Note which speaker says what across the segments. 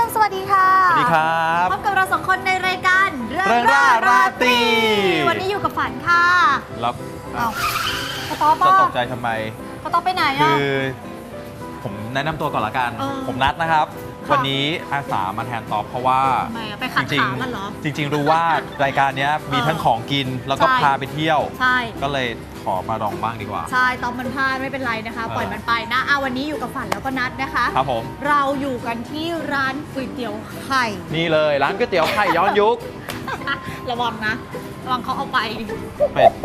Speaker 1: สวัสดีค่ะ
Speaker 2: สวัสดีครับ
Speaker 1: พบกับเราสองคนในรายการ
Speaker 2: เรื่องร่าราตรี
Speaker 1: วันนี้อยู่กับฝันค่ะ
Speaker 2: แล้ว
Speaker 1: กระต๊อบ
Speaker 2: จะตกใจทำไม
Speaker 1: กระต๊อบไปไหนอ่ะ
Speaker 2: คือผมแนะนำตัวก่อนละกันผมนัทนะครับวันนี้อาสามาแทนตอบเพราะว่า
Speaker 1: ไปขัดขามันเหรอ
Speaker 2: จริงรู้ว่ารายการนี้มีทั้งของกินแล้วก็พาไปเที่ยวก็เลยขอมาลองบ้างดีกว่า
Speaker 1: ใช่ตอบมันพลาดไม่เป็นไรนะคะปล่อยมันไปนะวันนี้อยู่กับฝันแล้วก็นัทนะคะ
Speaker 2: ครับผม
Speaker 1: เราอยู่กันที่ร้านก๋วยเตี๋ยวไข่
Speaker 2: นี่เลยร้านก๋วยเตี๋ยวไข่ย้อนยุค
Speaker 1: ระวังนะระวังเขาเอาไป
Speaker 2: เป็ด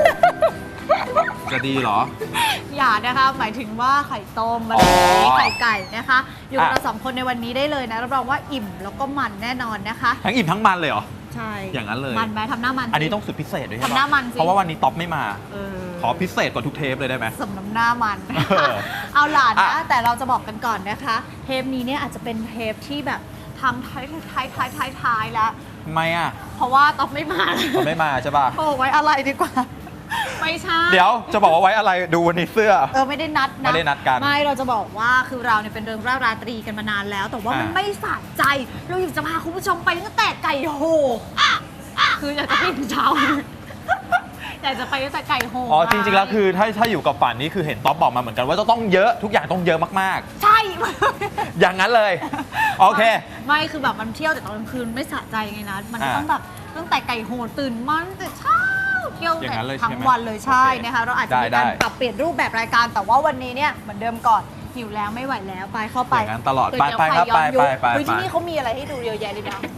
Speaker 2: จะดีเหรอ
Speaker 1: อย่านะคะหมายถึงว่าไข่ต้มอะไรไข่ไก่นะคะอยู่กับเราสองคนในวันนี้ได้เลยนะรับรองว่าอิ่มแล้วก็มันแน่นอนนะคะ
Speaker 2: ทั้งอิ่มทั้งมันเลยเหรอ
Speaker 1: ใช่
Speaker 2: อย่างนั้นเลย
Speaker 1: มันไหมทำหน้ามัน
Speaker 2: อันนี้ต้องสุดพิเศษด้วยใช่ไหม
Speaker 1: ทำหน้ามัน
Speaker 2: เพราะว่าวันนี้ท็อปไม่มาขอพิเศษกว่าทุกเทปเลยได้ไหม
Speaker 1: สมน้ำหน้ามันเอาหลานนะแต่เราจะบอกกันก่อนนะคะเทปนี้เนี่ยอาจจะเป็นเทปที่แบบทำท้ายแล้ว
Speaker 2: ทำไมอ่ะ
Speaker 1: เพราะว่าท็อปไม่มา
Speaker 2: ไม่มาใช่ป่ะ
Speaker 1: โอ้ไว้อะไรดีกว่าไม่ใช่
Speaker 2: เดี๋ยวจะบอกว่าไว้อะไรดูวันนี้เสื้อ
Speaker 1: ไม่ได้นัด
Speaker 2: นะไม่ได้นัดกัน
Speaker 1: ไม่เราจะบอกว่าคือเราเนี่ยเป็นเรื่องราตรีกันมานานแล้วแต่ว่ามันไม่สะใจเราอยากจะพาคุณผู้ชมไปตั้งแต่ไก่โหคืออยากจะไปถึงเช้าอยากจะไปตั้งแต่ไก่โห
Speaker 2: จริงๆแล้วคือถ้าอยู่กับฝันนี่คือเห็นต๊อบบอกมาเหมือนกันว่าจะต้องเยอะทุกอย่างต้องเยอะมาก
Speaker 1: ๆใช่
Speaker 2: อย่างนั้นเลยโอเค
Speaker 1: ไม่คือแบบมันเที่ยวแต่ตอนกลางคืนไม่สะใจไงนะมันต้องแบบตั้งแต่ไก่โหตื่นมันแต่เช้าเที่ยวทั้งวันเลยใช่นะคะเราอาจจะมีการปรับเปลี่ยนรูปแบบรายการแต่ว่าวันนี้เนี่ยเหมือนเดิมก่อนหิวแล้วไม่ไหวแล้วไปเข้าไป
Speaker 2: อย่างนั้นตลอดไปครับไป
Speaker 1: ที่นี่เขามีอะไรให้ดูเยอะแยะเลยนะ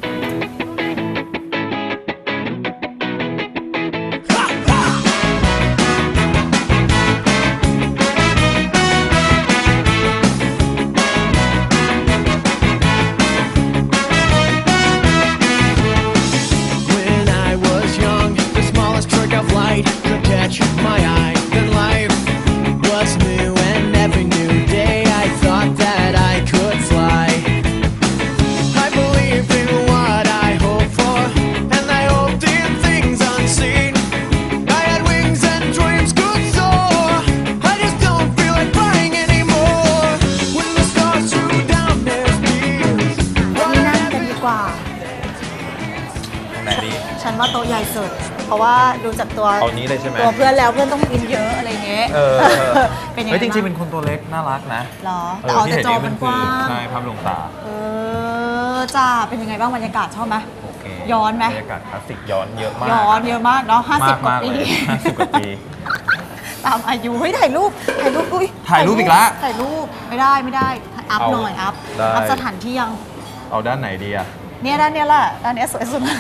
Speaker 1: ฉันว่าโต๊ะใหญ่สุดเพราะว่าดูจากตัว
Speaker 2: นี้เลยใช่ไหม
Speaker 1: ตัวเพื่อนแล้วเพื่อนต้องกินเยอะอะไรเงี้ย
Speaker 2: เป็นยังไงจริงๆเป็นคนตัวเล็กน่ารักนะ
Speaker 1: หรอแต่จอมันกว้าง
Speaker 2: ใช่ภาพลวงตา
Speaker 1: จ้าเป็นยังไงบ้างบรรยากาศชอบไหมย้อนไหม
Speaker 2: บรรยากาศคลาสสิกย้อนเยอะมาก
Speaker 1: เยอะมากเนาะ50 กว่าปี
Speaker 2: 50 กว่าปี
Speaker 1: ตามอายุถ่ายรูปอุ้ย
Speaker 2: ถ่ายรูปอีกแล้ว
Speaker 1: ถ่ายรูปไม่ได้อัพหน่อยอัพสถานที่ยัง
Speaker 2: เอาด้านไหนดีอะ
Speaker 1: เนี่ยด้านนี้แหละด้านนี้สวยสุด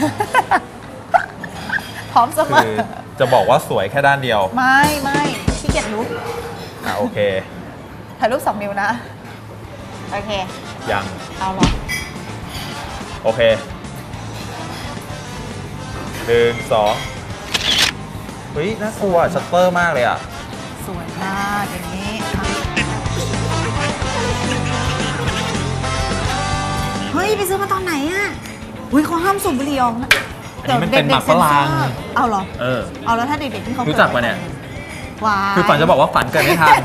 Speaker 1: พร้อมเสมอ
Speaker 2: จะบอกว่าสวยแค่ด้านเดียว
Speaker 1: ไม่ขี้เกียจลุก
Speaker 2: โอเค
Speaker 1: ถ่ายรูป2 นิ้วนะโอเค
Speaker 2: ยัง
Speaker 1: เอาหรอ
Speaker 2: โอเค1 2เฮ้ยน่ากลัวชัตเตอร์มากเลยอ่ะ
Speaker 1: สวยมากอย่างนี้เฮ้ยไปซื้อมาตอนไหนอ่ะเขาห้ามสูบบุหรี่ออกนะ
Speaker 2: อันนี้มันเป็นหมักฝรั่ง
Speaker 1: เอาเหรอเอาแล้วถ้าเด็กๆที่เขา
Speaker 2: รู้จักปะเนี่ย
Speaker 1: ว้า
Speaker 2: คือฝันจะบอกว่าฝันเกิดไม่ทัน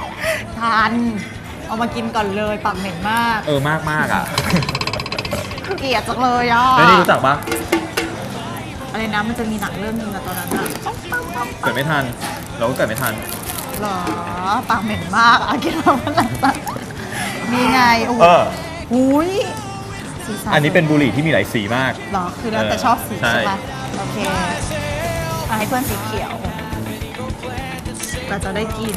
Speaker 1: เอามากินก่อนเลยปากเหม็นมาก
Speaker 2: มากอ่ะ
Speaker 1: เกลียดจังเลยอ่ะ
Speaker 2: แล้วนี่รู้จักปะ
Speaker 1: อะไรนะมันจะมีหนังเรื่องนึงอะตอนนั้นอะ
Speaker 2: เกิดไม่ทันเราก็เกิดไม่ทัน
Speaker 1: หรอปากเหม็นมากอะกินมาเมื่อไหร่นี่ไงอุ้ย
Speaker 2: อันนี้เป็นบุหรี่ที่มีหลายสีมาก
Speaker 1: หรอคือแล้วแต่ชอบสีใช่ไหมโอเคให้เพื่อนสีเขียวเราจะได้กิน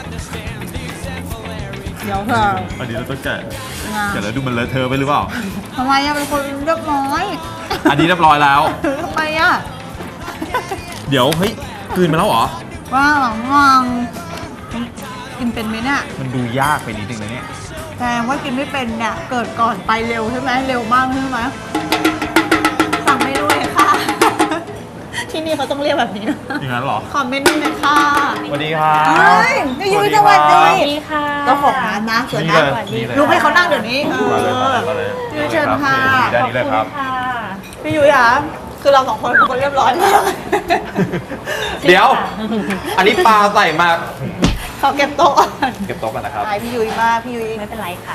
Speaker 1: เดี๋ยวค่ะ
Speaker 2: อันนี้เราต้องแกะแล้วดูมันเลอะเทอะไปหรือเปล่า
Speaker 1: ทำไมอะเป็นคนเรียบร้อย
Speaker 2: อันนี้เรียบร้อยแล้ว
Speaker 1: ทำไมอะ
Speaker 2: เดี๋ยวเฮ้ยกลืนมาแล้วเหรอ
Speaker 1: ว้าวกินเป็นไหมเนี่ย
Speaker 2: มันดูยากไปนิดนึงนะเนี่ย
Speaker 1: แสดงว่ากินไม่เป็นเนี่ยเกิดก่อนไปเร็วใช่ไหมเร็วมากใช่ไหมสั่งไม่ด้วยค่ะที่นี่เขาต้องเรียกแบบนี้นะ
Speaker 2: อย่างนั้นหรอ
Speaker 1: คอมเมนต์ด้วยค่ะ
Speaker 2: สวัสดีค่ะ
Speaker 1: นี่ยุ้ยสวัสดีค่ะเจ้าของร้านนะสวยนะลุกให้เขานั่งเดี๋ยวนี้ยุ้ยเชิญค่ะ
Speaker 2: ขอบคุณ
Speaker 1: ค่ะพี่ยุ้ยคะคือเรา2 คนเป็นคนเรียบร้อยมาก
Speaker 2: เดี๋ยวอันนี้ปลาใส่มา
Speaker 1: ขอเก็บโต๊ะ
Speaker 2: กันนะครับ
Speaker 1: พี่ยุ้ยมากพี่ยุ้ย
Speaker 3: ไม่เป็นไรค่ะ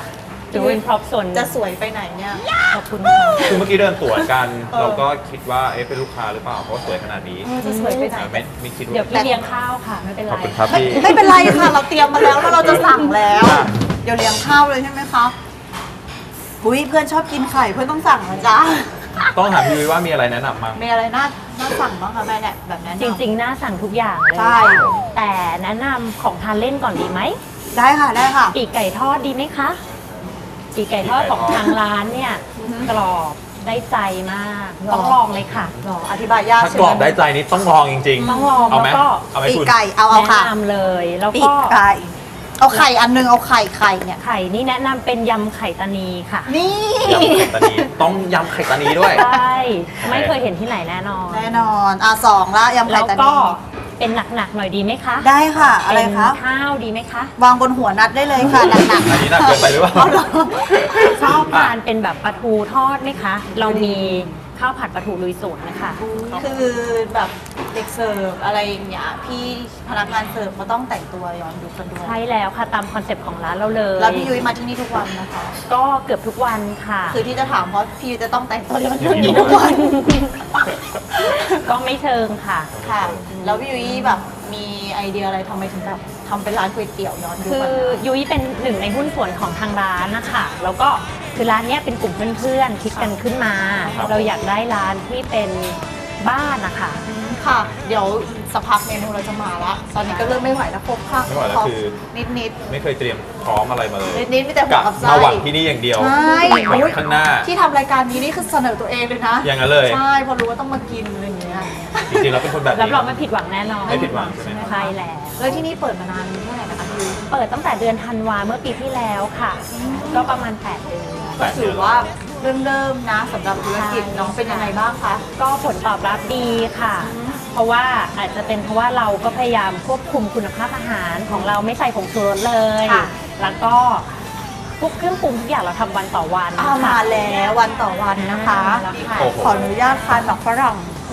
Speaker 3: ถือเป็นพร็อพส่วน
Speaker 1: จะสวยไปไหนเนี่ย
Speaker 3: ขอบคุณค่ะ
Speaker 2: คือเมื่อกี้เดินตรวจกัน เราก็คิดว่าเป็นลูกค้าหรือเปล่าเพราะว่าสวยขนาดนี้
Speaker 1: จะสวยไปไหน
Speaker 2: ไม่คิดว่า
Speaker 3: เดี๋ยวพี่เลี้ยงข้าวค่ะไม่เป็นไร
Speaker 2: ขอบคุณครับพี่
Speaker 1: ไม่เป็นไรค่ะ เราเตรียมมาแล้วแล้วเราจะสั่งแล้ว เดี๋ยวเลี้ยงข้าวเลยใช่ไหมคะอุ้ยเพื่อนชอบกินไข่เพื่อนต้องสั่งนะจ๊ะ
Speaker 2: ต้องถามพี่ยุ้ยว่ามีอะไรแนะนำมั้ง
Speaker 1: มีอะไรน่าสั่งบ้างคะแม่เนี่ยแบบนั้น
Speaker 3: จริงๆ น่าสั่งทุกอย่างเลย
Speaker 1: ใช่
Speaker 3: แต่แนะนำของทานเล่นก่อนดีไหม
Speaker 1: ได้ค่ะได้ค่ะ
Speaker 3: ปีกไก่ทอดดีไหมคะปีกไก่ทอดของทางร้านเนี่ยกรอบได้ใจมากต้องลองเลยค่ะ
Speaker 1: หรออธิบายยาก
Speaker 2: ถ้า
Speaker 1: ใช่
Speaker 2: กร
Speaker 1: ไหม
Speaker 2: อบได้ใจนี้ต้องลองจริงๆ
Speaker 3: ต้องลอง
Speaker 2: เอาไหม
Speaker 3: แล้วก็
Speaker 2: เอาไหม
Speaker 1: ปีก
Speaker 2: คุณ
Speaker 1: ไก่เอา
Speaker 3: แนะ
Speaker 1: ค่ะ
Speaker 3: นำเลยแล้ว
Speaker 1: ปี
Speaker 3: ก็
Speaker 1: กไก่เอาไข่อันนึงเอาไข่เนี่ย
Speaker 3: ไข่นี่แนะนำเป็นยำไข่ตานีค่ะ
Speaker 1: นี่
Speaker 2: ยำไข่ตานีต้องยำไข่ตานีด้วย
Speaker 3: ใช่ไม่เคยเห็นที่ไหนแน่นอน
Speaker 1: แน่นอนสองละยำไข่
Speaker 3: แล้ว
Speaker 1: ตา
Speaker 3: ก็
Speaker 1: นี
Speaker 3: เป็นหนักๆหน่อยดีไหมคะ
Speaker 1: ได้ค่ะอะไรคะ
Speaker 3: เป็นข้าวดีไหมคะ
Speaker 1: วางบนหัวนัดได้เลยค่ะหนักๆ
Speaker 2: อันนี้หนักเกินไปหรือเปล่า
Speaker 1: เอาเหรอ
Speaker 3: ชอบทานเป็นแบบปลาทูทอดไหมคะ เรามีข้าวผัดปลาทูลุยสวนนะคะ
Speaker 1: คือแบบเด็กเสิร์ฟอะไรอย่างเงี้ยพี่พนักงานเสิร์ฟก็ต้องแต่งตัวย้อนยุคกันด้วย
Speaker 3: ใช่แล้วค่ะตามคอนเซปต์ของร้านเราเลย
Speaker 1: แล้วพี่ยุ้ยมาที่นี่ทุกวันนะคะ
Speaker 3: ก็เกือบทุกวันค่ะ
Speaker 1: คือที่จะถามเพราะพี่ยุ้ยจะต้องแต่งตัวย้อนยุคนี้ทุกวัน
Speaker 3: ก็ไม่เชิงค่ะ
Speaker 1: ค่ะ แล้วพี่ยุ้ยแบบมีไอเดียอะไรทำไมถึงแบบทำเป็นร้านก๋วยเตี๋ยวย้อนยุค
Speaker 3: คือ
Speaker 1: แบบนั้น
Speaker 3: ยุ้ยเป็นหนึ่งในหุ้นส่วนของทางร้านนะคะแล้วก็คือร้านเนี้ยเป็นกลุ่มเพื่อนๆคิดกันขึ้นมา
Speaker 2: ครับ
Speaker 3: เราอยากได้ร้านที่เป็นบ้านนะคะ
Speaker 1: ค่ะ เดี๋ยวสักพักเมนูเราจะมาละตอนนี้ก็เริ่มไม่ไหวแล้วครบค่ะ
Speaker 2: ไม่ไหวแล้วคือ
Speaker 1: นิด
Speaker 2: ไม่เคยเตรียมพร้อมอะไรมาเลย
Speaker 1: นิดมีแต่หัว
Speaker 2: กะ
Speaker 1: กับไส้
Speaker 2: มาหวังที่นี่อย่างเดียว
Speaker 1: ใช่
Speaker 2: หวังข้างหน้า
Speaker 1: ที่ทำรายการนี้นี่คือเสนอตัวเองเลยนะ
Speaker 2: อย่างนั้นเลย
Speaker 1: ใช่เพอรู้ว่าต้องมากินอะไรอย่างเงี้ย
Speaker 2: จริงๆแล้วเป็นคนแบบ
Speaker 3: รับ
Speaker 2: นี้
Speaker 3: รองไม่ผิดหวังแน่นอน
Speaker 2: ไม่ผิดหวังใช่ไหม
Speaker 3: ใช่แล้ว
Speaker 1: แล้วที่นี่เปิดมานานเท่าไหร่นะคะพี่ยุ้ย
Speaker 3: เปิดตั้งแต่เดือนธันวาเมื่อปีที่แล้วค่ะ ก็ประมาณ8เดือน
Speaker 1: ก็ถือว่าเริ่มนะสำหรับธุรกิจน้องเป็นยังไงบ้างคะ
Speaker 3: ก็ผลตอบรับดีค่ะ เพราะว่าอาจจะเป็นเพราะว่าเราก็พยายามควบคุมคุณภาพอาหารของเราไม่ใส่ผงชูรสเลย
Speaker 1: ค่ะ
Speaker 3: แล้วก็ทุกเครื่องปรุงทุกอย่างเราทำวันต่อวัน
Speaker 1: เอามาแล้ววันต่อวันนะคะ
Speaker 3: แล้วค่ะ
Speaker 2: โอ้โห
Speaker 1: ขออนุญาตทานแบบฝรั่ง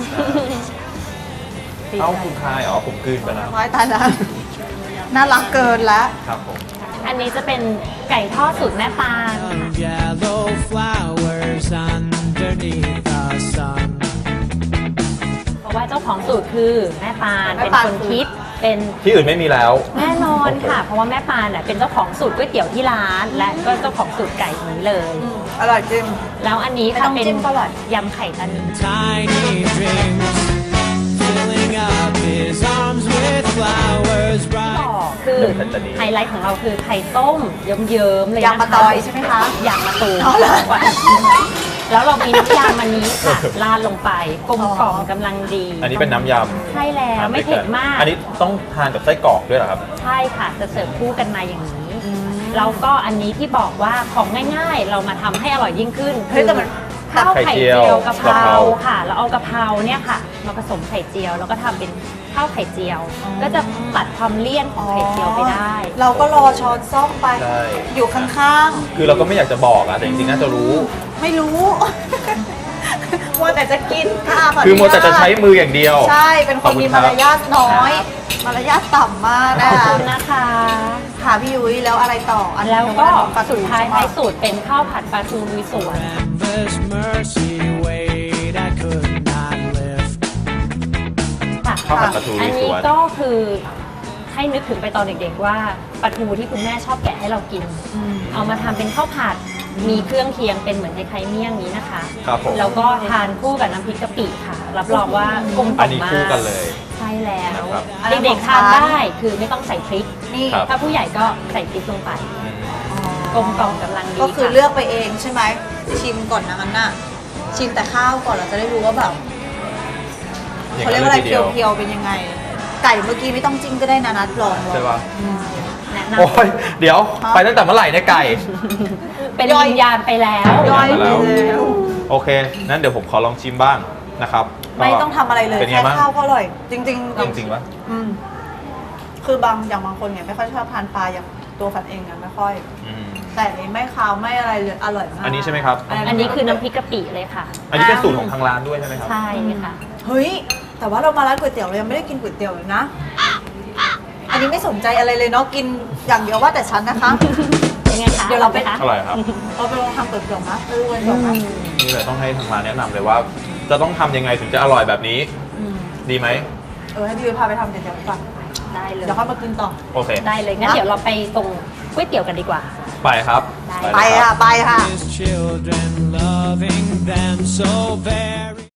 Speaker 2: เอ้าคุณคายอ๋อผมกลืนไปแล้ว
Speaker 1: น้อยตายแล้วน่ารักเกินแล้ว
Speaker 2: ครับผม
Speaker 3: อันนี้จะเป็นไก่ทอดสูตรแม่ปาน
Speaker 4: Yellow flowers underneath the sun.
Speaker 3: เพราะว่าเจ้าของสูตรคือแม่ปาน
Speaker 1: แม่
Speaker 3: เป็น
Speaker 1: ปาน
Speaker 3: คนคิดเป็น
Speaker 2: ที่อื่นไม่มีแล้ว
Speaker 3: แน่นอนค่ะ เพราะว่าแม่ปานเป็นเจ้าของสูตรก๋วยเตี๋ยวที่ร้าน และก็เจ้าของสูตรไก่นี้เลย
Speaker 1: อร่อยจริง
Speaker 3: แล้วอันนี้
Speaker 1: ไม่
Speaker 3: ค่ะ
Speaker 1: ต้อง
Speaker 3: เป็น
Speaker 1: จิ้มก็อร่อย
Speaker 3: ยำไข่ตานี
Speaker 4: Tiny dreams, filling up his arms with flowers
Speaker 3: ต่อ
Speaker 4: bright.
Speaker 3: คือย
Speaker 2: ำไข่ตานี
Speaker 3: ไฮไลท์ของเราคือไข่ต้มเยิ้มๆเลยนะคะ
Speaker 1: ยำมะตอยใช่ไหมคะ
Speaker 3: ยำมะตูม
Speaker 1: อ๋อเหรอ
Speaker 3: แล้วเรามีน้ำยำมันนี้ค่ะราดลงไปกลมกล่อมกำลังดี
Speaker 2: อันนี้เป็นน้ำยำ
Speaker 3: ใช่แล้วไม่เผ็ดมาก
Speaker 2: อันนี้ต้องทานกับไส้กรอกด้วยเหรอครับ
Speaker 3: ใช่ค่ะจะเสิร์ฟคู่กันมาอย่างนี้แล้วก็อันนี้ที่บอกว่าของง่ายๆ เรามาทำให้อร่อยยิ่งขึ้น
Speaker 1: เฮ้ยแต่มัน
Speaker 3: ข้าวไข่เจียวกะเพ
Speaker 2: กะเพ
Speaker 3: รา
Speaker 2: รา
Speaker 3: ค่ะแล้วเอากะเพราเนี่ยค่ะมาผสมไข่เจียวแล้วก็ทำเป็นข้าวไข่เจียว ก็จะตัดความเลี่ยนของไข่เจียวไปได้
Speaker 1: เราก็รอช้อนซ่อมไป
Speaker 2: ใช่
Speaker 1: อยู่ข้าง
Speaker 2: คือเราก็ไม่อยากจะบอกอะแต่จริงๆน่าจะรู้
Speaker 1: ๆ ไม่รู้ มัวแต่จะกินค่ะข
Speaker 2: คือ
Speaker 1: นุญาต
Speaker 2: มัวแต่จะใช้มืออย่างเดียว
Speaker 1: ใช่ เป็นคนมีมารยาทน้อย มารยาทต่ำมากนะ
Speaker 3: ขอบ
Speaker 1: คะ
Speaker 3: คุณนะคะ
Speaker 1: ค่ะพี่ยุ้ยแล้วอะไรต่ออัน
Speaker 3: แล้วก็
Speaker 1: ปลาทู
Speaker 3: สุดท้าย
Speaker 1: ใช่ไหม
Speaker 3: ท้ายสุดเป็นข้าวผัดปลาทูลุยสวน
Speaker 4: Endless mercy weight I could not lift.
Speaker 3: ค่ะ
Speaker 2: ข้าวผัดปลาทู
Speaker 3: อัน
Speaker 2: ลุยส
Speaker 3: นี้
Speaker 2: วน
Speaker 3: ก็คือให้นึกถึงไปตอนเด็กๆว่าปลาทูที่คุณแม่ชอบแกะให้เรากิน เอามาทำเป็นข้าวผัดมีเครื่องเคียงเป็นเหมือนคล้ายๆเมี่ยงนี้นะคะ
Speaker 2: ครับผม
Speaker 3: แล้วก็ทานคู่กับน้ำพริกกะปิค่ะ รับรองว่ากลมก
Speaker 2: อั
Speaker 3: ล่
Speaker 2: น
Speaker 3: อม
Speaker 2: นี้
Speaker 3: มาก
Speaker 2: คู่กันเลย
Speaker 3: ใช่แล้ว
Speaker 2: ครับ
Speaker 3: เด็กๆทานได้คือไม่ต้องใส่พริก
Speaker 1: นี่
Speaker 2: ครับ
Speaker 3: ถ้าผู้ใหญ่ก็ใส่พริกลงไปกลมกล่อมกำลังดี
Speaker 1: ก็คือ
Speaker 3: ค่ะ
Speaker 1: เลือกไปเองใช่ไหมชิมก่อนนะงั้นน่ะชิมแต่ข้าวก่อนเราจะได้รู้ว่าแบบเขาเรียกว่าอะไรเพียวๆเป็นยังไง ไก่เมื่อกี้ไม่ต้องจิ้มก็ได้นะนัดลอง
Speaker 2: ใช่ปะ
Speaker 3: แนะน
Speaker 2: โอ้ยเดี๋ยวไปตั้งแต่เมื่อไหร่เนี่ยไก่
Speaker 3: ำเป็นวิญญาณไปแล้ว
Speaker 1: ย่อยไป
Speaker 2: แล้ว
Speaker 1: แล้ว
Speaker 2: โอเค นั้นเดี๋ยวผมขอลองชิมบ้างนะครับ
Speaker 1: ไม่ต้องทำอะไรเลย
Speaker 2: เป็นไง
Speaker 1: แค่
Speaker 2: บ้าง
Speaker 1: ข้าวก็อร่อย จริงๆ
Speaker 2: จริงๆปะ
Speaker 1: อืมคือบางคนเนี่ยไม่ค่อยชอบทานปลาอย่างตัวฝันเองเนี่ยไม่ค่อย
Speaker 2: อืม
Speaker 1: แต่อันนี้ไม่คาวไม่อะไรเลยอร่อยมาก
Speaker 2: อันนี้ใช่ไหมครับ
Speaker 3: อันนี้คือน้ำพริกกะปิเลยค่ะ
Speaker 2: อันนี้เป็นสูตรของทางร้านด้วยใช่ไหมครับ
Speaker 3: ใช่ค่ะ
Speaker 1: เฮ้ยแต่ว่าเรามาร้านก๋วยเตี๋ยวเรายังไม่ได้กินก๋วยเตี๋ยวเลยนะ ออันนี้ไม่สนใจอะไรเลยเนาะกินอย่างเดียวว่าแต่ฉันนะคะ
Speaker 3: ยังไงคะ
Speaker 1: เดี๋ยวเราไป
Speaker 3: คะ
Speaker 2: อร่อยครับ
Speaker 1: เราไปลองทำเปิดกล่องนะไปดูกันก่อนนะ
Speaker 2: นี่เลยต้องให้ทางร้านแนะนำเลยว่า จะต้องทำยังไงถึงจะอร่อยแบบนี้ ดีไหม
Speaker 1: ให้พี่เวพาไปทำเดี๋ยวก่อน
Speaker 3: ได้เลย
Speaker 1: เดี๋ยวค่อยมากินต่อ
Speaker 2: โอเค
Speaker 3: ได้เลยงั้นเดี๋ยวเราไปตรงก๋วยเตี๋ยวกันดีกว่า
Speaker 2: ไปครับ
Speaker 3: ได้
Speaker 2: เลย
Speaker 1: ไป
Speaker 2: รับ
Speaker 1: ค่ะ ไปค่ะ
Speaker 4: His children loving them so very